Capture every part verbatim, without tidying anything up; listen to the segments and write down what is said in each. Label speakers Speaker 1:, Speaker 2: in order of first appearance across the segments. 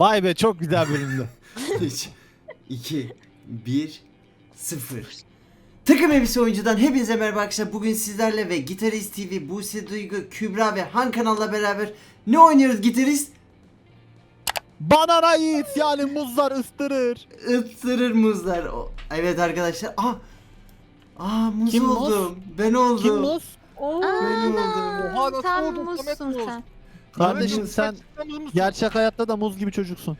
Speaker 1: Vay be, çok güzel bölümdü.
Speaker 2: üç, iki, bir, sıfır. Takım Elbise Oyuncu'dan hepinize merhaba arkadaşlar. Bugün sizlerle ve Gitarist T V, Buse Duygu, Kübra ve Han kanalla beraber ne oynuyoruz Gitarist?
Speaker 1: Banana yiğit, yani muzlar ıstırır.
Speaker 2: Isırır muzlar. O- Evet arkadaşlar. Aa, Aa muz
Speaker 1: Kim muz?
Speaker 2: oldum. Ben oldum.
Speaker 1: Kim muz?
Speaker 2: Ben oldum.
Speaker 3: Oha nasıl
Speaker 4: Tam
Speaker 3: oldun Samet
Speaker 4: muzsun
Speaker 3: muz?
Speaker 4: sen.
Speaker 1: Kardeşim
Speaker 3: Samet,
Speaker 1: sen
Speaker 3: gerçekten muz musun?
Speaker 1: gerçek hayatta da muz gibi çocuksun.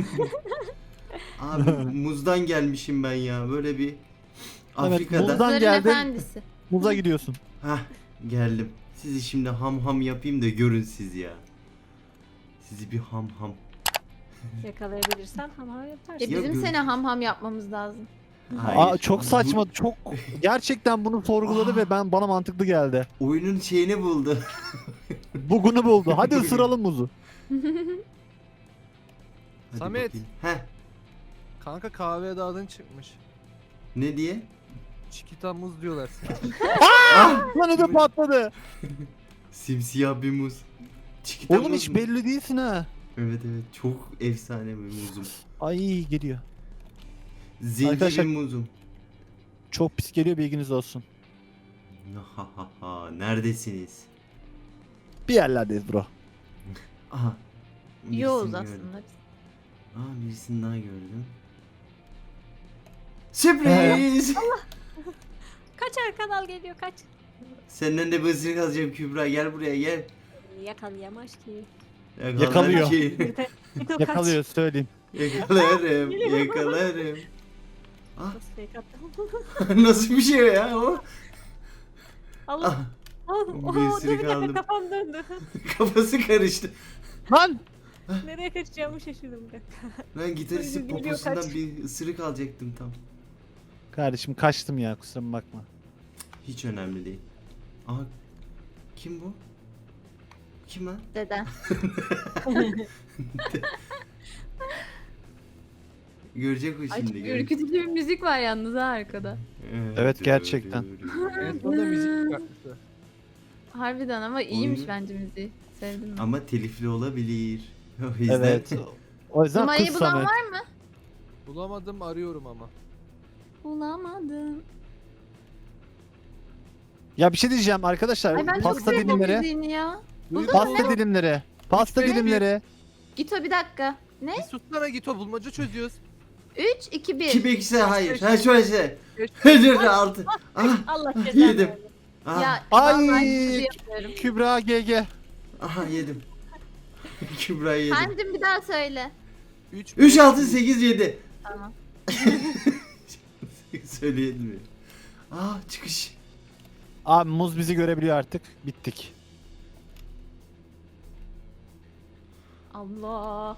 Speaker 2: Abi muzdan gelmişim ben ya. Böyle bir Afrika'da.
Speaker 1: muzdan-
Speaker 4: Muzların
Speaker 1: geldin.
Speaker 4: efendisi.
Speaker 1: Muza gidiyorsun.
Speaker 2: Hah, geldim. Sizi şimdi ham ham yapayım da görün siz ya. Sizi bir ham ham.
Speaker 5: Yakalayabilirsen hamam
Speaker 4: E
Speaker 5: yaparsın.
Speaker 2: Ya
Speaker 4: bizim
Speaker 2: gör-
Speaker 4: seni ham ham yapmamız lazım.
Speaker 1: Aa, çok saçma, çok gerçekten bunu sorguladı
Speaker 2: Aa.
Speaker 1: ve ben bana mantıklı geldi.
Speaker 2: Bu oyunun şeyini buldu.
Speaker 1: Bugünü buldu. Hadi ısıralım muzu.
Speaker 2: Hadi
Speaker 3: Samet.
Speaker 2: bakayım. Heh,
Speaker 3: Kanka kahveye de adın çıkmış.
Speaker 2: ne diye?
Speaker 3: Çikita muz diyorlar.
Speaker 2: Ah!
Speaker 1: Lan ödü patladı.
Speaker 2: Simsiyah bir muz. Çikita
Speaker 1: Oğlum
Speaker 2: muz
Speaker 1: hiç
Speaker 2: mu?
Speaker 1: belli değilsin ha.
Speaker 2: Evet evet, çok efsane bir muzum.
Speaker 1: Ay geliyor.
Speaker 2: Zenci
Speaker 1: Arkadaşlar-
Speaker 2: bir muzum.
Speaker 1: Çok pis geliyor, bilginiz olsun.
Speaker 2: Ha ha ha, neredesiniz?
Speaker 1: Bir yerlerdeyiz bro.
Speaker 2: Aha. birisini
Speaker 4: Yoğuz
Speaker 2: gördüm.
Speaker 4: aslında biz.
Speaker 2: Aa, birisini daha gördüm. Sürpriz!
Speaker 5: Kaç kanal geliyor kaç.
Speaker 2: Senden de bir ısırık alacağım Kübra, gel buraya gel.
Speaker 5: Yakalayamaz ki.
Speaker 2: Yakalar
Speaker 1: Yakalıyor.
Speaker 2: ki.
Speaker 5: Bir de kaç.
Speaker 1: Yakalıyor, söyleyeyim.
Speaker 2: Yakalarım, yakalarım. Ah,
Speaker 5: Nasıl fake attım?
Speaker 2: nasıl bir şey ya o?
Speaker 5: Allah.
Speaker 2: Ah,
Speaker 5: Oh,
Speaker 2: bir
Speaker 5: oh, dur
Speaker 2: ısırık
Speaker 5: bir dakika
Speaker 2: aldım.
Speaker 5: kafam döndü.
Speaker 2: Kafası karıştı.
Speaker 1: Lan!
Speaker 5: Nereye kaçacağımı şaşırdım bir dakika.
Speaker 2: Ben gitaristin
Speaker 5: Geliyor,
Speaker 2: poposundan
Speaker 5: kaç.
Speaker 2: bir ısırık alacaktım tam.
Speaker 1: Kardeşim kaçtım ya, kusuruma bakma.
Speaker 2: Hiç önemli değil. Aha, kim bu? Kim lan?
Speaker 4: Deden.
Speaker 2: Görecek o
Speaker 4: Ay
Speaker 2: şimdi.
Speaker 4: çok
Speaker 2: görecek.
Speaker 4: ürkütücü bir müzik var yalnız ha arkada.
Speaker 1: Evet, gerçekten.
Speaker 3: En sonunda müzik çıkartmışlar.
Speaker 4: Harbiden ama iyiymiş
Speaker 2: Oyunu-
Speaker 4: bence müziği. Sevdim ben.
Speaker 2: Ama telifli olabilir. O yüzden
Speaker 1: Evet. O yüzden
Speaker 4: Numarayı
Speaker 1: kız
Speaker 4: bulan
Speaker 1: Samet.
Speaker 4: var mı?
Speaker 3: Bulamadım arıyorum ama.
Speaker 4: Bulamadım.
Speaker 1: Ya bir şey diyeceğim arkadaşlar.
Speaker 4: Ay ben çok
Speaker 1: pasta
Speaker 4: sevdim
Speaker 1: dilimleri.
Speaker 4: müziğini ya.
Speaker 3: Duydun
Speaker 1: Pasta
Speaker 3: mu?
Speaker 1: dilimleri. Pasta
Speaker 3: Hiç
Speaker 1: dilimleri.
Speaker 4: Git o bir dakika. Ne?
Speaker 3: Bir sussana git o bulmaca çözüyoruz.
Speaker 4: üç, iki, bir.
Speaker 2: kim ekse hayır. Ha şöyle şey.
Speaker 3: Beş.
Speaker 2: Dur altı. Ah,
Speaker 5: Allah cezanı
Speaker 2: yedim.
Speaker 5: versin.
Speaker 2: Ah,
Speaker 4: Ya
Speaker 1: Ay.
Speaker 4: vallahi hiçbir şey yapmıyorum.
Speaker 1: Kübra G G.
Speaker 2: aha yedim. Kübra'yı yedim.
Speaker 4: Kendim bir daha söyle.
Speaker 3: üç,
Speaker 2: üç, altı, sekiz, yedi.
Speaker 4: Tamam.
Speaker 2: Söyleyelim mi? Ah, çıkış.
Speaker 1: Abi muz bizi görebiliyor artık. Bittik.
Speaker 4: Allah.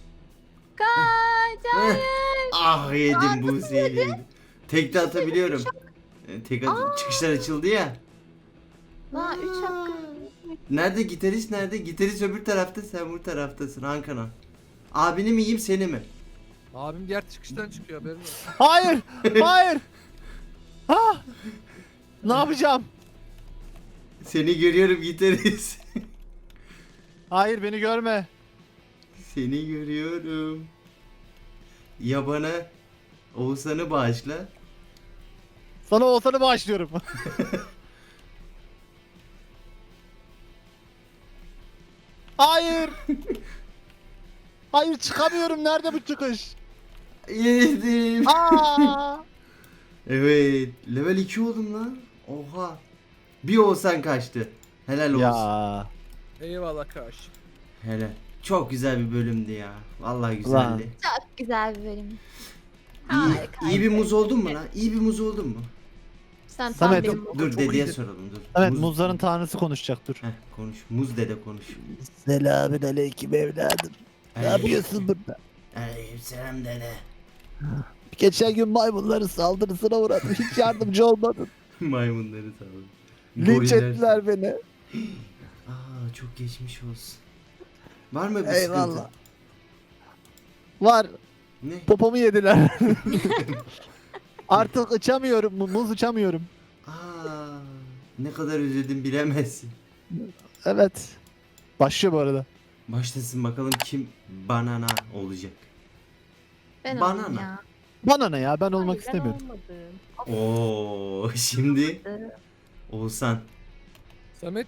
Speaker 4: Kaç, hayır.
Speaker 2: Ah, yedim bu zehri. Tek de atabiliyorum. E, Tek at çıkışlar açıldı ya.
Speaker 4: La üç hakkı.
Speaker 2: Nerede gitarist nerede? Gitarist öbür tarafta, sen bu taraftasın Hakan'a. Abini mi yiyeyim seni mi?
Speaker 3: Abim diğer çıkıştan çıkıyor haberin olsun.
Speaker 1: Hayır! Hayır! Ha! Ne yapacağım?
Speaker 2: Seni görüyorum gitarist.
Speaker 1: Hayır, beni görme.
Speaker 2: Seni görüyorum. Ya bana Oğuzhan'ı bağışla.
Speaker 1: Sana Oğuzhan'ı bağışlıyorum. Hayır! Hayır, çıkamıyorum. Nerede bu çıkış?
Speaker 2: Yedim.
Speaker 1: Aa!
Speaker 2: Evet. Level iki oldum lan. Oha. Bir Oğuzhan kaçtı. Helal olsun.
Speaker 1: Ya.
Speaker 3: Eyvallah karşı.
Speaker 2: Helal. Çok güzel bir bölümdü ya. Vallahi
Speaker 1: Ulan.
Speaker 2: güzeldi.
Speaker 4: Çok güzel bir bölüm.
Speaker 2: İyi,
Speaker 4: Harika.
Speaker 2: iyi bir muz oldun mu lan? İyi bir muz oldun mu?
Speaker 4: Sen tam
Speaker 1: Samet,
Speaker 4: benim
Speaker 2: Dur
Speaker 3: çok
Speaker 2: dedeye
Speaker 3: iyiydi.
Speaker 2: soralım dur.
Speaker 1: Evet,
Speaker 2: Muz-
Speaker 1: muzların tanrısı konuşacak, dur.
Speaker 2: Heh, konuş. Muz dede konuş.
Speaker 1: Selamün aleyküm evladım. Ne yapıyorsun burada?
Speaker 2: Aleykümselam dede.
Speaker 1: Geçen gün maymunların saldırısına uğradım. Hiç yardımcı olmadın.
Speaker 2: Maymunları sağ olun.
Speaker 1: Linç
Speaker 2: Goriller-
Speaker 1: ettiler beni.
Speaker 2: Aa, çok geçmiş olsun. Var mı bir
Speaker 1: Eyvallah.
Speaker 2: sıkıntı?
Speaker 1: Var.
Speaker 2: Ne?
Speaker 1: Popomu yediler. Artık uçamıyorum. mu- Muz uçamıyorum.
Speaker 2: Aa, ne kadar üzüldüm bilemezsin.
Speaker 1: Evet. Başlıyor bu arada.
Speaker 2: Başlasın bakalım kim banana olacak.
Speaker 4: Ben
Speaker 2: Banana.
Speaker 4: olayım ya.
Speaker 1: Bana ne ya, ben olmak
Speaker 5: Hayır,
Speaker 1: istemiyorum.
Speaker 5: Ben olmadım.
Speaker 2: Oo şimdi Oğuzhan.
Speaker 3: Samet.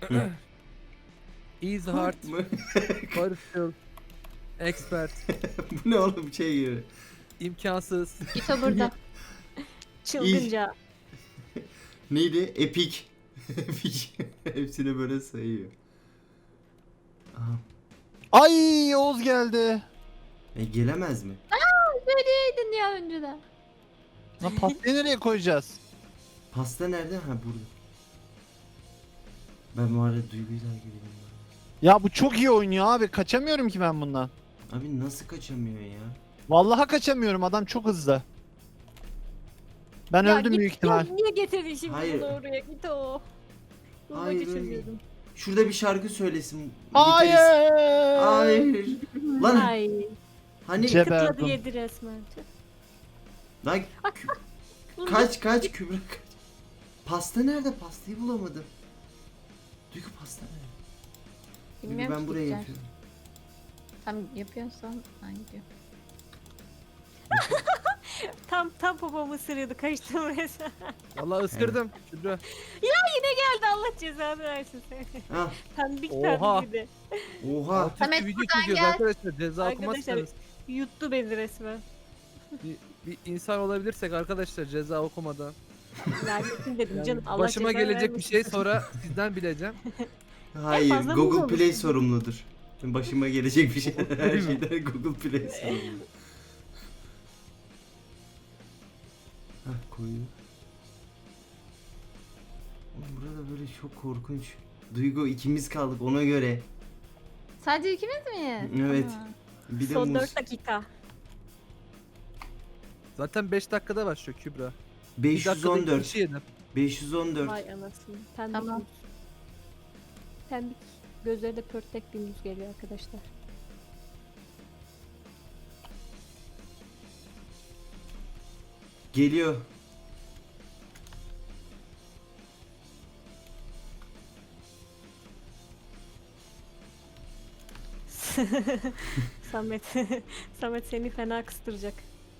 Speaker 3: Easy heart. Barışçıl. Expert.
Speaker 2: Bu ne oğlum şey gibi.
Speaker 3: imkansız.
Speaker 4: Gito burada.
Speaker 5: Çılgınca.
Speaker 2: Neydi? Epic. Epic. Hepsini böyle sayıyor. Aha.
Speaker 1: Ay Oğuz geldi.
Speaker 2: E, gelemez mi?
Speaker 4: Söyleyeydin ya önceden.
Speaker 1: Lan pastayı nereye koyacağız?
Speaker 2: Pasta nerede? Ha burada. Ben bu arada Duygu'yu takip edeyim.
Speaker 1: Ya bu çok iyi oynuyor abi. Kaçamıyorum ki ben bundan.
Speaker 2: Abi nasıl kaçamıyor ya?
Speaker 1: Vallahi kaçamıyorum. Adam çok hızlı. Ben
Speaker 5: Ya
Speaker 1: öldüm
Speaker 5: git-
Speaker 1: büyük ihtimal.
Speaker 5: Ya niye getirdin şimdi
Speaker 2: Hayır.
Speaker 5: bunu oraya? Git o.
Speaker 2: Hayır,
Speaker 5: Bulmaca
Speaker 2: öyle.
Speaker 5: çözüyordum.
Speaker 2: Şurada bir şarkı söylesin.
Speaker 1: Hayır.
Speaker 2: Gitarist. Hayır. Lan
Speaker 5: Ay.
Speaker 2: hani
Speaker 1: Ce-
Speaker 5: Kıtladı
Speaker 1: Geberdim.
Speaker 5: yedi resmen.
Speaker 2: lan kü- kaç kaç Kübra kaç. Pasta nerede? Pastayı bulamadım. Duygu pasta nerede? Duygu
Speaker 4: Bilmiyorum
Speaker 2: ben
Speaker 4: ki
Speaker 2: buraya
Speaker 4: gideceğim.
Speaker 2: yapıyorum.
Speaker 4: Tam yapıyorsan ben gidiyorum.
Speaker 5: Tam tam popomu ısırıyordu. Kaçtım resmen.
Speaker 3: Vallahi ıskırdım. Kübra.
Speaker 5: Yine geldi, Allah cezanı versin seni.
Speaker 2: Al.
Speaker 5: Pembik
Speaker 3: Oha.
Speaker 5: pembik bir de.
Speaker 2: Oha.
Speaker 3: Alt üstü
Speaker 4: Samet,
Speaker 3: video
Speaker 4: buradan
Speaker 3: çekiyoruz
Speaker 4: gel.
Speaker 3: arkadaşlar. Ceza
Speaker 5: Arkadaşlar
Speaker 3: okumazsanız.
Speaker 5: yuttu beni resmen.
Speaker 3: Bir, bir insan olabilirsek arkadaşlar ceza okumadan.
Speaker 5: Lanetim dedim
Speaker 3: Yani
Speaker 5: canım. Allah
Speaker 3: başıma
Speaker 5: cezanı
Speaker 3: gelecek bir
Speaker 5: vermesin.
Speaker 3: şey sonra sizden bileceğim.
Speaker 2: Hayır,
Speaker 5: fazla mı
Speaker 2: Google
Speaker 5: olmuş?
Speaker 2: Play sorumludur. Başıma gelecek bir şey her şeyden Google Play sorumlu. Hah koyu. Oğlum burada böyle çok korkunç. Duygu ikimiz kaldık ona göre.
Speaker 4: Sadece ikimiz miyiz?
Speaker 2: Evet.
Speaker 4: Aa.
Speaker 2: Bir de
Speaker 5: Son
Speaker 2: muz.
Speaker 5: dört dakika.
Speaker 3: Zaten beş dakikada başlıyor Kübra. Bir
Speaker 2: beş yüz
Speaker 3: dakikada
Speaker 2: on
Speaker 3: iki
Speaker 2: dört.
Speaker 3: kişi yedim.
Speaker 2: beş yüz on dört.
Speaker 5: Vay anasını. Pembik
Speaker 4: Tamam.
Speaker 5: muz. Pembik. Gözleri de pörtlek bir muz geliyor arkadaşlar.
Speaker 2: Geliyor.
Speaker 5: Samet. Samet seni fena kıstıracak.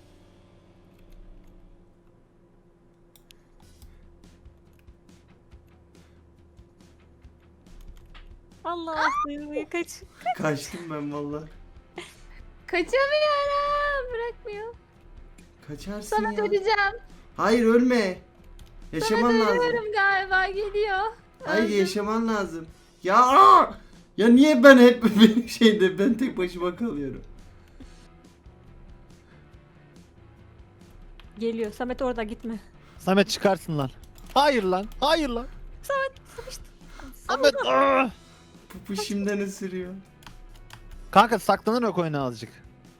Speaker 5: Allah seni kaç.
Speaker 2: Kaçtım ben valla.
Speaker 4: Kaçamıyorum. Bırakmıyor.
Speaker 2: Kaçarsın
Speaker 4: Sana
Speaker 2: ya.
Speaker 4: döneceğim.
Speaker 2: Hayır ölme. Yaşaman lazım.
Speaker 4: Dönüyorum galiba geliyor.
Speaker 2: Hayır
Speaker 4: Öldüm.
Speaker 2: yaşaman lazım. Ya aa! Ya niye ben hep benim şeyde ben tek başıma kalıyorum.
Speaker 5: Geliyor. Samet orada gitme.
Speaker 1: Samet çıkarsın lan. Hayır lan. Hayır lan.
Speaker 5: Samet sıkıştı.
Speaker 1: Samet. ah!
Speaker 2: Pupu şimdiden ısırıyor.
Speaker 1: Kanka saklanarak oyna azıcık.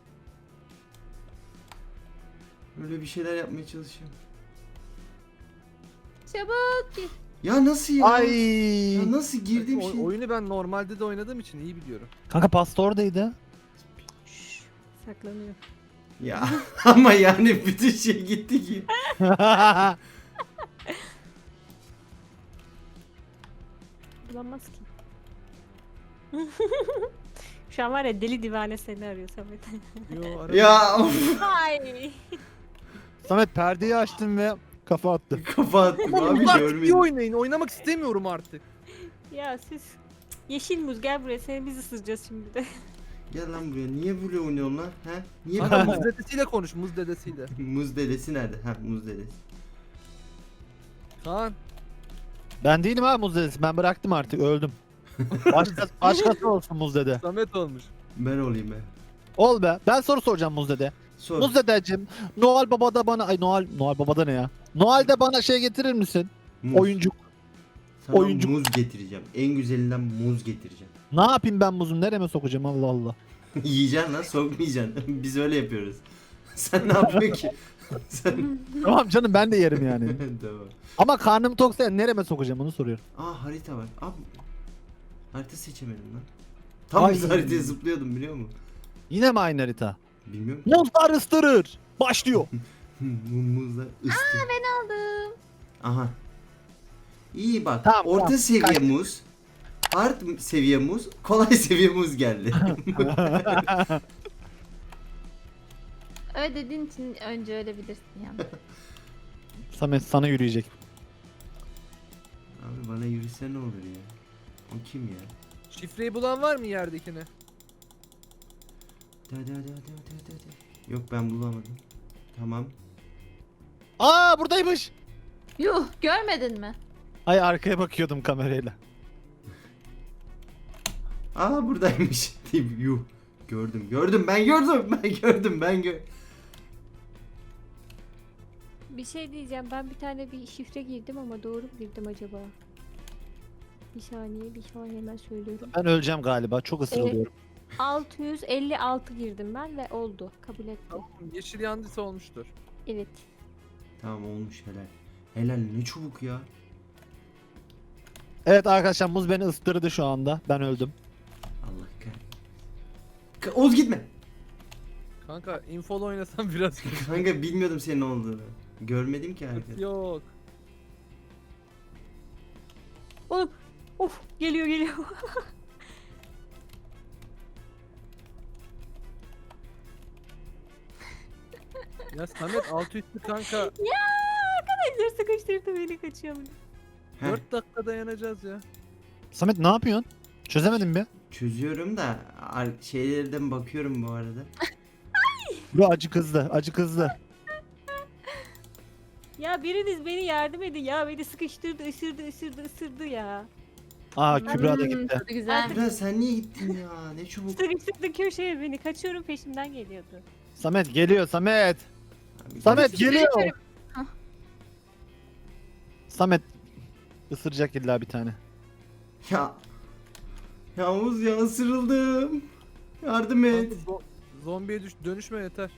Speaker 2: Böyle bir şeyler yapmaya çalışıyorum.
Speaker 4: Çabuk git.
Speaker 2: Ya nasıl ya?
Speaker 1: Ay.
Speaker 2: Ya nasıl girdiğim
Speaker 3: O-
Speaker 2: şey?
Speaker 3: oyunu ben normalde de oynadığım için iyi biliyorum.
Speaker 1: Kanka pasta oradaydı.
Speaker 5: Saklanıyor.
Speaker 2: Ya ama yani bütün şey gitti ki.
Speaker 5: Bulamaz ki. Şu an var ya deli divane seni arıyor Samet.
Speaker 3: Yo, arada-
Speaker 2: Ya of,
Speaker 5: Ay.
Speaker 1: Samet perdeyi açtım ve kafa attı.
Speaker 2: kafa attım abi
Speaker 3: Artık iyi
Speaker 2: görmedim.
Speaker 3: oynayın. Oynamak istemiyorum artık.
Speaker 5: Ya siz yeşil muz gel buraya, seni biz ısıracağız şimdi de.
Speaker 2: Gel lan buraya niye böyle oynuyorsun lan? He? Niye
Speaker 3: Kanka
Speaker 2: böyle?
Speaker 3: muz dedesiyle konuş. Muz dedesiyle.
Speaker 2: Muz dedesi nerede? Ha muz dedesi.
Speaker 3: Kaan.
Speaker 1: Ben değilim abi muz dedesi. Ben bıraktım artık. Öldüm. Başka, başkası olsun muz dede.
Speaker 3: Samet olmuş.
Speaker 2: Ben olayım be.
Speaker 1: Ol be. Ben soru soracağım muz dede.
Speaker 2: Sor.
Speaker 1: Muz dedeciğim. Noel Baba da bana... Ay Noel... Noel Baba da ne ya? Noel de bana şey getirir misin?
Speaker 2: Muz.
Speaker 1: Oyuncuk.
Speaker 2: Sana
Speaker 1: oyuncu-
Speaker 2: muz getireceğim. En güzelinden muz getireceğim.
Speaker 1: Ne yapayım ben muzu? Nereme sokacağım Allah Allah.
Speaker 2: Yiyeceksin lan sokmayacaksın. Biz öyle yapıyoruz. Sen ne yapıyorsun ki? Sen...
Speaker 1: Tamam canım ben de yerim yani.
Speaker 2: tamam.
Speaker 1: Ama karnım toksa nereme sokacağım onu soruyorum.
Speaker 2: Aa harita var. Abi harita seçemedim lan. Tam
Speaker 1: Ay.
Speaker 2: biz haritaya zıplıyordum biliyor musun?
Speaker 1: Yine mi aynı harita?
Speaker 2: Bilmiyorum.
Speaker 1: Muzlar ıstırır. Başlıyor.
Speaker 2: Mu- Muzlar ıstı.
Speaker 4: Ben aldım.
Speaker 2: Aha. İyi bak.
Speaker 1: Tamam,
Speaker 2: Orta
Speaker 1: tamam.
Speaker 2: seviye
Speaker 1: Kaç.
Speaker 2: muz. Hard seviye muz, kolay seviye muz geldi.
Speaker 4: Öyle dediğin için önce öyle bilirsin yani.
Speaker 1: Samet sana yürüyecek.
Speaker 2: Abi bana yürüse ne olur ya? O kim ya?
Speaker 3: Şifreyi bulan var mı yerdekini?
Speaker 2: Hadi hadi hadi hadi hadi hadi. Yok ben bulamadım. Tamam.
Speaker 1: Aa buradaymış.
Speaker 4: Yuh, görmedin mi?
Speaker 1: Ay arkaya bakıyordum kamerayla.
Speaker 2: Aa buradaymış. Deyip yuh. Gördüm gördüm ben gördüm ben gördüm ben gö
Speaker 5: Bir şey diyeceğim. Ben bir tane bir şifre girdim ama doğru mu girdim acaba? Bir saniye, bir saniye hemen söylüyorum.
Speaker 1: Ben öleceğim galiba. Çok ısırılıyorum.
Speaker 5: altı yüz elli altı girdim ben ve oldu. Kabul etti.
Speaker 3: Yeşil yandıysa olmuştur.
Speaker 5: Evet.
Speaker 2: Tamam olmuş helal. Helal ne çabuk ya.
Speaker 1: Evet arkadaşlar muz beni ıstırdı şu anda. Ben öldüm.
Speaker 2: Allah kahretsin. Ka- Oğuz gitme.
Speaker 3: Kanka infolu oynasam biraz kötü.
Speaker 2: Kanka bilmiyordum senin olduğunu. Görmedim ki hareket.
Speaker 3: Yok.
Speaker 5: Oğlum. Of geliyor geliyor.
Speaker 3: Ya Samet altı üstü kanka.
Speaker 5: Ya arkadaşlar sıkıştırdı beni, kaçıyorum.
Speaker 2: Heh,
Speaker 3: dört dakika dayanacağız ya.
Speaker 1: Samet ne yapıyorsun? Çözemedim bir.
Speaker 2: çözüyorum da ar- şeylerden bakıyorum bu arada.
Speaker 1: Bu acı kızdı. Acı kızdı.
Speaker 5: Ya biriniz beni yardım edin ya, beni sıkıştırdı, ısırdı, ısırdı, ısırdı ya.
Speaker 1: Aa Kübra da
Speaker 4: Hmm,
Speaker 1: gitti.
Speaker 4: tadı güzel.
Speaker 2: Biraz sen niye gittin ya? Ne çabuk.
Speaker 5: Sıkıştırdı köşeye beni, kaçıyorum, peşimden geliyordu.
Speaker 1: Samet geliyor Samet.
Speaker 2: Abi,
Speaker 1: Samet
Speaker 4: Şifreyi
Speaker 1: geliyor.
Speaker 4: söyle- Hah.
Speaker 1: Samet ısıracak illa bir tane.
Speaker 2: Ya. Ya Oğuz ya ısırıldım. Yardım et.
Speaker 3: Kanka, zo- zombiye düş dönüşme yeter.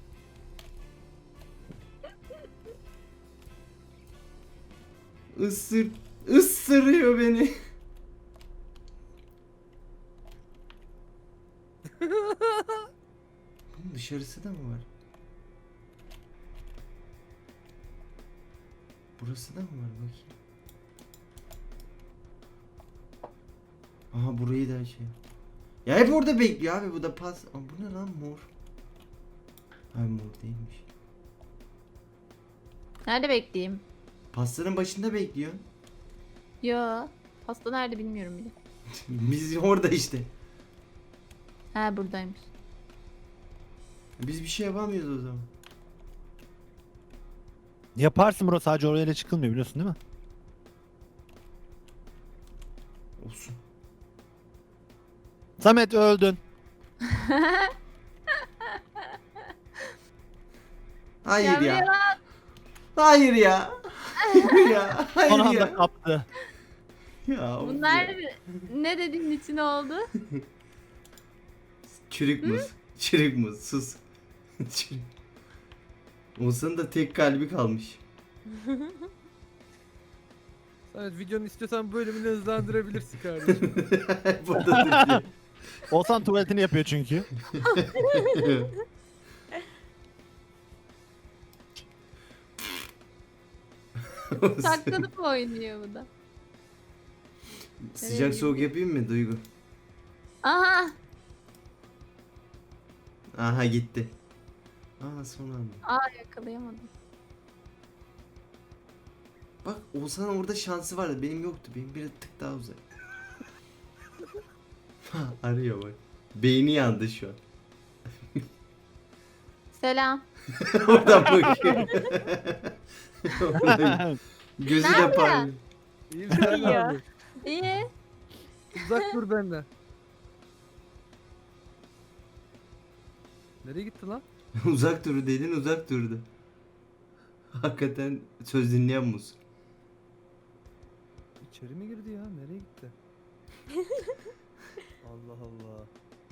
Speaker 2: Isır. Isırıyor beni. Bunun dışarısı da mı var? Burası da mı var bakayım. Aha burayı da şey. Ya hep orada bekliyor abi, bu da pas. Aa, bu ne lan mor? Ay mor değilmiş.
Speaker 4: Nerede bekleyeyim?
Speaker 2: Pastanın başında bekliyor.
Speaker 4: Yo. Pasta nerede bilmiyorum bile.
Speaker 2: Biz orada işte.
Speaker 4: Ha buradaymış.
Speaker 2: Biz bir şey yapamıyoruz o zaman.
Speaker 1: Yaparsın bro, sadece oraya çıkılmıyor biliyorsun değil mi?
Speaker 2: Olsun.
Speaker 1: Samet öldün.
Speaker 2: Hayır
Speaker 4: Ya
Speaker 2: ya.
Speaker 4: ya.
Speaker 2: Hayır ya. Hayır ya.
Speaker 1: Son
Speaker 2: Hayır
Speaker 1: anda
Speaker 2: ya.
Speaker 1: kaptı.
Speaker 2: Ya of
Speaker 4: Bunlar
Speaker 2: ya.
Speaker 4: ne dediğin için oldu?
Speaker 2: Çürük muz. Çürük muz. Sus. Çürük. Olsanın da tek kalbi kalmış.
Speaker 3: Samet videonun istiyorsan bölümünü hızlandırabilirsin kardeşim.
Speaker 2: Burada duruyor.
Speaker 1: Olsan tuvaletini yapıyor çünkü.
Speaker 4: Saklanıp oynuyor bu da.
Speaker 2: Sıcak soğuk yapayım mı Duygu?
Speaker 4: Aha.
Speaker 2: Aha gitti. Aa son anda.
Speaker 4: Aa yakalayamadım.
Speaker 2: Bak Oğuzhan'ın orada şansı vardı. Benim yoktu. Benim bir tık daha uzak. Arıyor bak. Beyni yandı şu an.
Speaker 4: Selam.
Speaker 2: Oradan bakıyor. Oradan gözü de
Speaker 4: Nerede?
Speaker 2: parlıyor.
Speaker 3: İyi sen
Speaker 5: İyi ya.
Speaker 3: abi.
Speaker 4: İyi.
Speaker 3: Uzak dur benden. Nereye gitti lan?
Speaker 2: Uzak dur dedin, uzak durdu. Hakikaten söz dinleyen muz.
Speaker 3: İçeri mi girdi ya? Nereye gitti? Allah Allah.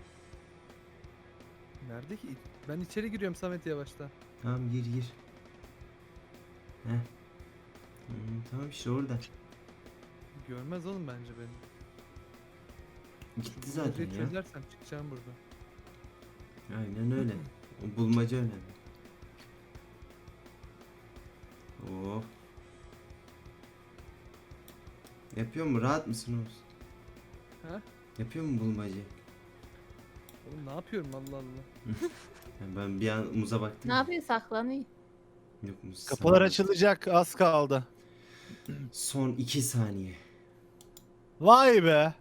Speaker 3: Nerede ki? Ben içeri giriyorum Samet yavaştan.
Speaker 2: Tamam gir gir. Heh. Hmm, tamam işte orada.
Speaker 3: Görmez oğlum bence beni.
Speaker 2: Gitti
Speaker 3: Bu
Speaker 2: zaten
Speaker 3: bulmacayı
Speaker 2: ya.
Speaker 3: çözersem çıkacağım burada.
Speaker 2: Aynen öyle. O bulmaca önemli. Oh. Yapıyor mu? Rahat mısın Oğuz?
Speaker 3: Ha?
Speaker 2: Yapıyor mu bulmaca?
Speaker 3: Oğlum ne yapıyorum Allah Allah.
Speaker 2: Yani ben bir an muza baktım.
Speaker 4: Ne yapıyor, saklanıyor.
Speaker 2: Yok muz.
Speaker 1: Kapılar
Speaker 2: sana-
Speaker 1: açılacak, az kaldı.
Speaker 2: Son iki saniye.
Speaker 1: Vay be.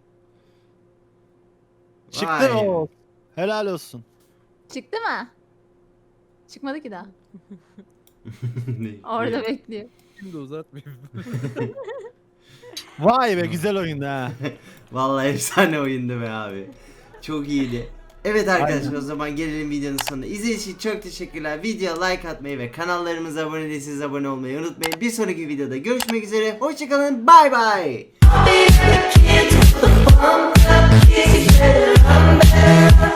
Speaker 1: Çıktı
Speaker 2: Vay.
Speaker 1: o. Helal olsun.
Speaker 4: Çıktı mı? Çıkmadı ki daha.
Speaker 2: Ne?
Speaker 4: Orada
Speaker 2: Ne?
Speaker 4: bekliyor.
Speaker 3: Şimdi uzatmayayım.
Speaker 1: Vay be güzel oyundu ha.
Speaker 2: Vallahi efsane oyundu be abi. Çok iyiydi. Evet arkadaşlar,
Speaker 1: Aynen.
Speaker 2: o zaman gelelim videonun sonuna. İzlediğiniz için çok teşekkürler. Videoya like atmayı ve kanallarımıza abone değilseniz abone olmayı unutmayın. Bir sonraki videoda görüşmek üzere. Hoşçakalın. Bay bay.
Speaker 6: Be the kid with the bump up, kids, better, I'm better.